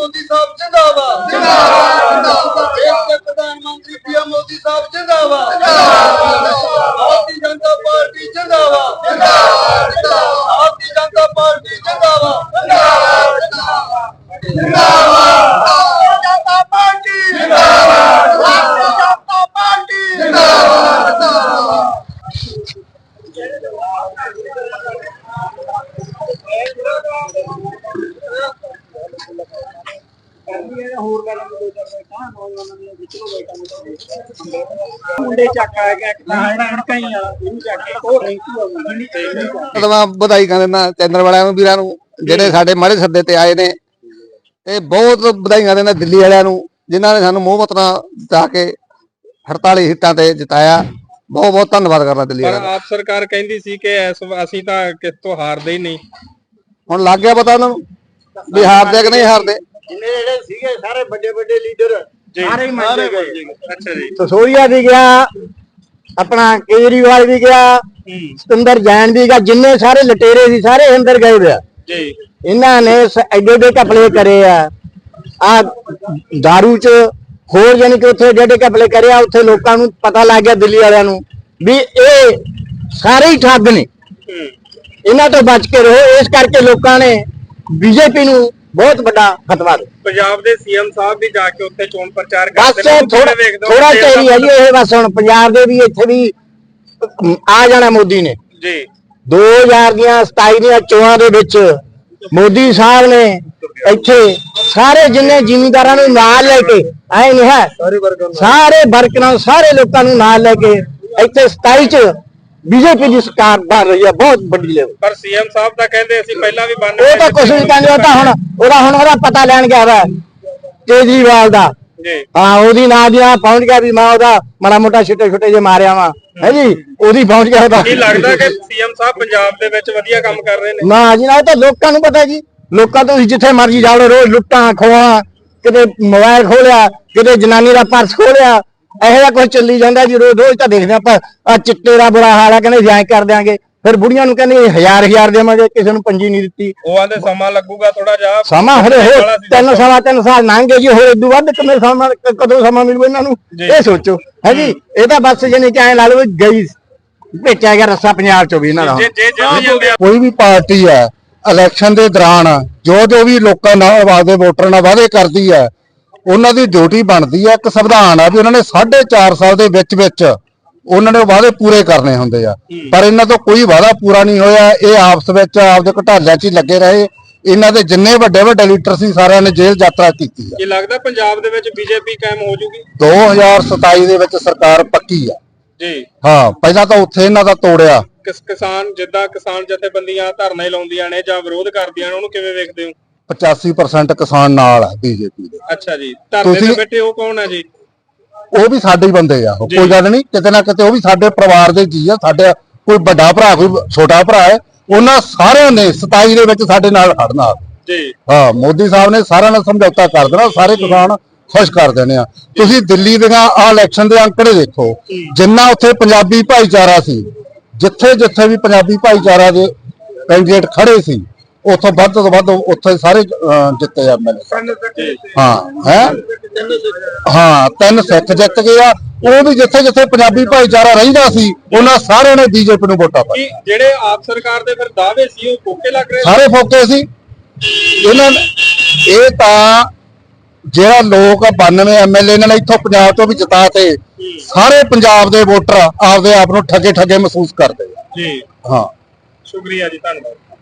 मोदी साहब जिंदाबाद जिंदाबाद। देश के प्रधानमंत्री पीएम मोदी साहब जिंदाबाद भारतीय जनता पार्टी जिंदाबाद भारतीय जनता पार्टी जिंदाबाद जनता पार्टी जिंदाबाद भारतीय जनता पार्टी जिंदाबाद। ਵਧਾਈ ਕਹਿੰਦੇ ਚੈਨਲ ਵਾਲਿਆਂ ਨੂੰ ਵੀਰਾਂ ਨੂੰ ਜਿਹੜੇ ਸਾਡੇ ਮਾੜੇ ਸੱਦੇ ਤੇ ਆਏ ਨੇ ਤੇ ਬਹੁਤ ਵਧਾਈਆਂ ਦਿੰਦਾ ਦਿੱਲੀ ਵਾਲਿਆਂ ਨੂੰ ਜਿਨ੍ਹਾਂ ਨੇ ਸਾਨੂੰ ਮੋਹ ਮਤਨਾ ਜਿਤਾ ਕੇ 48 ਸੀਟਾਂ ਤੇ ਜਿਤਾਇਆ। ਬਹੁਤ ਬਹੁਤ ਧੰਨਵਾਦ ਕਰਦਾ ਦਿੱਲੀ ਵਾਲਿਆਂ ਦਾ। ਆਪ ਸਰਕਾਰ ਕਹਿੰਦੀ ਸੀ ਕਿ ਅਸੀਂ ਤਾਂ ਕਿਸ ਤੋਂ ਹਾਰਦੇ ਹੀ ਨਹੀਂ, ਹੁਣ ਲੱਗ ਗਿਆ ਪਤਾ ਉਹਨਾਂ ਨੂੰ ਵੀ ਹਾਰਦੇ ਕਿ ਨਹੀਂ ਹਾਰਦੇ। ਜਿੰਨੇ ਜਿਹੜੇ ਸੀਗੇ ਸਾਰੇ ਵੱਡੇ ਵੱਡੇ ਲੀਡਰ ਸਾਰੇ ਮੰਨੇ ਗਏ। ਅੱਛਾ ਜੀ, ਸਸੋਰੀਆ ਵੀ ਗਿਆ, ਆਪਣਾ ਕੇਜਰੀਵਾਲ ਵੀ ਗਿਆ, ਸਤਿੰਦਰ ਜੈਨ ਵੀ ਗਿਆ, ਜਿੰਨੇ ਸਾਰੇ ਲਟੇਰੇ ਸੀ ਸਾਰੇ ਅੰਦਰ ਗਏ ਹੋਇਆ ਜੀ। ਇਹਨਾਂ ਨੇ ਐਡੇ ਐਡੇ ਘਪਲੇ ਕਰੇ ਆ ਦਾਰੂ ਚ ਹੋਰ ਜਾਨੀ ਕਿ ਉੱਥੇ ਐਡੇ ਘਪਲੇ ਕਰੇ ਆ। ਉੱਥੇ ਲੋਕਾਂ ਨੂੰ ਪਤਾ ਲੱਗ ਗਿਆ ਦਿੱਲੀ ਵਾਲਿਆਂ ਨੂੰ ਵੀ ਇਹ ਸਾਰੇ ਹੀ ਠੱਗ ਨੇ, ਇਹਨਾਂ ਤੋਂ ਬਚ ਕੇ ਰਹੋ। ਇਸ ਕਰਕੇ ਲੋਕਾਂ ਨੇ ਬੀਜੇਪੀ ਨੂੰ ਬਹੁਤ ਵੱਡਾ ਫਤਵਾ ਦਿੱਤਾ। ਪੰਜਾਬ ਦੇ ਸੀਐਮ ਸਾਹਿਬ ਵੀ ਜਾ ਕੇ ਉੱਥੇ ਚੋਣ ਪ੍ਰਚਾਰ ਬਸ ਥੋੜਾ ਚਿਰ ਹੈ ਜੀ ਇਹ। ਬਸ ਹੁਣ ਪੰਜਾਬ ਦੇ ਵੀ ਇੱਥੇ ਵੀ ਆ ਜਾਣਾ ਮੋਦੀ ਨੇ ਜੀ। 2027 ਦੀਆਂ ਚੋਣਾਂ ਦੇ ਵਿੱਚ ਮੋਦੀ ਸਾਹਿਬ ਨੇ ਇੱਥੇ ਸਾਰੇ ਜਿੰਨੇ ਜ਼ਿਮੀਂਦਾਰਾਂ ਨੂੰ ਨਾਲ ਲੈ ਕੇ ਆਏ ਨਹੀਂ ਹੈ, ਸਾਰੇ ਵਰਕਰਾਂ ਸਾਰੇ ਲੋਕਾਂ ਨੂੰ ਨਾਲ ਲੈ ਕੇ ਇੱਥੇ 27 ਚ ਬੀਜੇਪੀ ਦੀ ਸਰਕਾਰ ਬਣ ਰਹੀ ਹੈ ਬਹੁਤ ਵੱਡੀ ਲੈਵਲ। ਪਰ ਸੀਐਮ ਸਾਹਿਬ ਤਾਂ ਕਹਿੰਦੇ ਅਸੀਂ ਪਹਿਲਾਂ ਵੀ ਬਣ ਉਹ ਤਾਂ ਕੁਝ ਨਹੀਂ ਕਹਿੰਦੇ, ਉਹ ਤਾਂ ਹੁਣ ਉਹਦਾ ਪਤਾ ਲੈਣ ਗਿਆ ਵਾ ਕੇਜਰੀਵਾਲ ਦਾ ਜੀ। ਹਾਂ ਉਹਦੀ ਨਾਂ ਦੀ ਨਾਲ ਪਹੁੰਚ ਗਿਆ ਵੀ ਮੈਂ ਉਹਦਾ ਮਾੜਾ ਮੋਟਾ ਛੋਟੇ ਜੇ ਮਾਰਿਆ ਵਾ ਹੈ ਜੀ, ਉਹਦੀ ਪਹੁੰਚ ਗਿਆ ਉਹਦਾ। ਕੀ ਲੱਗਦਾ ਕਿ ਸੀਐਮ ਸਾਹਿਬ ਪੰਜਾਬ ਦੇ ਵਿੱਚ ਵਧੀਆ ਕੰਮ ਕਰ ਰਹੇ ਨੇ? ਨਾ ਜੀ ਨਾ, ਇਹ ਤਾਂ ਲੋਕਾਂ ਨੂੰ ਪਤਾ ਜੀ। ਲੋਕਾਂ ਤੋਂ ਜਿੱਥੇ ਮਰਜ਼ੀ ਜਾ ਲਓ, ਰੋਜ਼ ਲੁੱਟਾਂ ਖੋਹਾਂ, ਕਿਤੇ ਮੋਬਾਈਲ ਖੋਲਿਆ, ਕਿਤੇ ਜਨਾਨੀ ਦਾ ਪਰਸ ਖੋਲਿਆ, ਇਹੋ ਜਿਹਾ ਕੁਝ ਚੱਲੀ ਜਾਂਦਾ ਜੀ। ਰੋਜ਼ ਤਾਂ ਦੇਖਦੇ ਆਪਾਂ ਆ ਚਿੱਟੇ ਦਾ ਬੁਰਾ ਹਾਲ ਆ, ਕਹਿੰਦੇ ਜਾਇ ਕਰ ਦਿਆਂਗੇ। ਫਿਰ ਬੁੜੀਆਂ ਨੂੰ ਕਹਿੰਦੇ 1000 ਦੇਵਾਂਗੇ, ਕਿਸੇ ਨੂੰ ਪੰਜੀ ਨਹੀਂ ਦਿੱਤੀ। ਉਹ ਆਂਦੇ ਸਮਾਂ ਲੱਗੂਗਾ ਥੋੜਾ ਜਿਹਾ, ਸਮਾਂ ਹਲੇ ਹੋਰ 3 ਸਾਲ ਲੰਘੇ ਜੀ, ਹੋਰ ਇਦੋਂ ਵੱਧ ਕਿੰਨੇ ਸਮਾਂ ਕਦੋਂ ਸਮਾਂ ਮਿਲੂ ਇਹਨਾਂ ਨੂੰ ਇਹ ਸੋਚੋ ਹੈ ਜੀ। ਇਹ ਤਾਂ ਬਸ ਜਾਨੀ ਕਿ ਐ ਲਾ ਲਓ ਗਈ ਭੇਜਿਆ ਗਿਆ ਰੱਸਾ ਪੰਜਾਬ ਚੋਂ ਵੀ ਇਹਨਾਂ ਦਾ। ਕੋਈ ਵੀ ਪਾਰਟੀ ਹੈ ਇਲੈਕਸ਼ਨ ਦੇ ਦੌਰਾਨ ਜੋ ਵੀ ਲੋਕਾਂ ਨਾਲ ਆਪਦੇ ਵੋਟਰਾਂ ਨਾਲ ਵਾਅਦੇ ਕਰਦੀ ਹੈ, ਉਹਨਾਂ ਦੀ ਡਿਊਟੀ ਬਣਦੀ ਹੈ। ਇੱਕ ਸੰਵਿਧਾਨ ਆ ਵੀ ਉਹਨਾਂ ਨੇ 4.5 ਸਾਲ ਦੇ ਵਿੱਚ ਉਹਨਾਂ ਨੇ ਵਾਅਦੇ ਪੂਰੇ ਕਰਨੇ ਹੁੰਦੇ ਆ, ਪਰ ਇਹਨਾਂ ਤੋਂ ਕੋਈ ਵਾਅਦਾ ਪੂਰਾ ਨਹੀਂ ਹੋਇਆ। ਇਹ ਆਪਸ ਵਿੱਚ ਆਪਦੇ ਘਟਾਲਿਆਂ 'ਚ ਹੀ ਲੱਗੇ ਰਹੇ। ਇਹਨਾਂ ਦੇ ਜਿੰਨੇ ਵੱਡੇ ਲੀਡਰ ਸੀ ਸਾਰਿਆਂ ਨੇ ਜੇਲ੍ਹ ਯਾਤਰਾ ਕੀਤੀ ਆ। ਕੀ ਲੱਗਦਾ ਪੰਜਾਬ ਦੇ ਵਿੱਚ ਬੀਜੇਪੀ ਕਾਇਮ ਹੋ ਜੂਗੀ? 2027 ਦੇ ਵਿੱਚ ਸਰਕਾਰ ਪੱਕੀ ਆ ਜੀ। ਹਾਂ, ਪਹਿਲਾਂ ਤਾਂ ਉੱਥੇ ਇਹਨਾਂ ਦਾ ਤੋੜਿਆ। ਕਿਸਾਨ ਜਿੱਦਾਂ ਕਿਸਾਨ ਜਥੇਬੰਦੀਆਂ ਧਰਨੇ ਲਾਉਂਦੀਆਂ ਨੇ ਜਾਂ ਵਿਰੋਧ ਕਰਦੀਆਂ ਨੇ, ਉਹਨੂੰ ਕਿਵੇਂ ਵੇਖਦੇ ਹੋ? 85% ਕਿਸਾਨ ਨਾਲ ਆ ਬੀਜੇਪੀ ਦੇ। ਅੱਛਾ ਜੀ, ਧਰਨੇ ਤੇ ਬੈਠੇ ਉਹ ਕੌਣ ਹੈ ਜੀ? ਉਹ ਵੀ ਸਾਡੇ ਹੀ ਬੰਦੇ ਆ, ਕੋਈ ਗੱਲ ਨਹੀਂ। ਕਿਤੇ ਨਾ ਕਿਤੇ ਉਹ ਵੀ ਸਾਡੇ ਪਰਿਵਾਰ ਦੇ ਜੀ ਆ। ਸਾਡੇ ਕੋਈ ਵੱਡਾ ਭਰਾ ਕੋਈ ਛੋਟਾ ਭਰਾ ਹੈ, ਉਹਨਾਂ ਸਾਰਿਆਂ ਨੇ 27 ਦੇ ਵਿੱਚ ਸਾਡੇ ਨਾਲ ਖੜਨਾ ਜੀ। ਹਾਂ, ਮੋਦੀ ਸਾਹਿਬ ਨੇ ਸਾਰਿਆਂ ਨਾਲ ਸਮਝੌਤਾ ਕਰ ਦੇਣਾ, ਸਾਰੇ ਕਿਸਾਨ ਖੁਸ਼ ਕਰ ਦੇਣੇ ਆ। ਤੁਸੀਂ ਦਿੱਲੀ ਦੀਆਂ ਆ ਇਲੈਕਸ਼ਨ ਦੇ ਅੰਕੜੇ ਦੇਖੋ, ਜਿੰਨਾ ਉੱਥੇ ਪੰਜਾਬੀ ਭਾਈਚਾਰਾ ਸੀ, ਜਿੱਥੇ ਵੀ ਪੰਜਾਬੀ ਭਾਈਚਾਰਾ ਦੇ ਕੈਂਡੀਡੇਟ ਖੜੇ ਸੀ, ਉੱਥੋਂ ਵੱਧ ਤੋਂ ਵੱਧ ਉੱਥੇ ਸਾਰੇ ਜਿੱਤੇ ਆ। ਹਾਂ 3 ਸਿੱਖ ਜਿੱਤ ਗਏ ਆ। ਉਹ ਵੀ ਜਿੱਥੇ ਪੰਜਾਬੀ ਭਾਈਚਾਰਾ ਰਹਿੰਦਾ ਸੀ, ਉਹਨਾਂ ਸਾਰਿਆਂ ਨੇ ਬੀਜੇਪੀ ਨੂੰ ਵੋਟਾਂ ਪਾਈ। ਜਿਹੜੇ ਆਪ ਸਰਕਾਰ ਦੇ ਫਿਰ ਦਾਅਵੇ ਸੀ ਉਹ ਫੋਕੇ ਲੱਗ ਰਹੇ? ਸਾਰੇ ਫੋਕੇ ਸੀ ਇਹਨਾਂ ਨੇ। ਇਹ ਤਾਂ ਜਿਹੜਾ ਲੋਕ 92 ਐਮਐਲਏ ਇਹਨਾਂ ਨੇ ਇੱਥੋਂ ਪੰਜਾਬ ਤੋਂ ਵੀ ਜਿਤਾ ਤੇ ਸਾਰੇ ਪੰਜਾਬ ਦੇ ਵੋਟਰ ਆਪਦੇ ਆਪ ਨੂੰ ਠੱਗੇ ਮਹਿਸੂਸ ਕਰਦੇ ਆ ਜੀ। ਹਾਂ, ਸ਼ੁਕਰੀਆ ਜੀ, ਧੰਨਵਾਦ।